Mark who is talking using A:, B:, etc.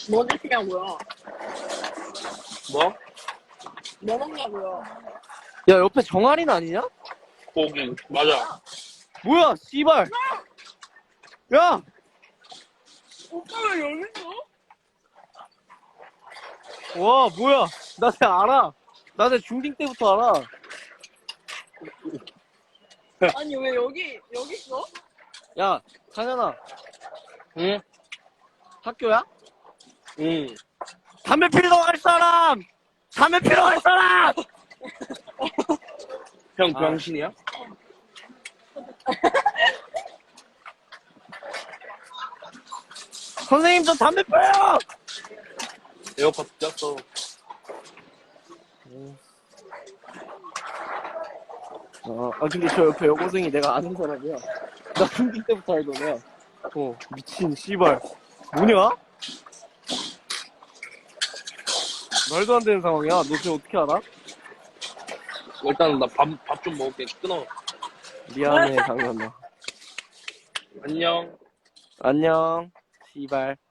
A: 뭐 드시냐고요?
B: 뭐?
A: 뭐 먹냐고요?
C: 야, 옆에 정아린 아니냐?
B: 고기. 맞아.
C: 뭐야, 씨발. 야!
A: 오빠 왜 여기 있어?
C: 와, 뭐야. 나 쟤 알아. 나 쟤 중딩 때부터 알아.
A: 아니 왜 여기 있어?
C: 야, 상현아.
B: 응?
C: 학교야?
B: 응.
C: 담배 피러 갈 사람! 담배 피러 갈 사람!
B: 형
C: 아.
B: 병신이야?
C: 선생님, 저 담배 펴요!
B: 에어팟 꼈어.
C: 근데 저 옆에 여고생이 내가 아는 사람이야. 나 중딩 때부터 알던 애야. 미친, 씨발. 뭐냐? 말도 안 되는 상황이야. 너 쟤 어떻게 알아?
B: 일단 나 밥 좀 먹을게. 끊어.
C: 미안해, 상현아.
B: 안녕.
C: 안녕, 씨발.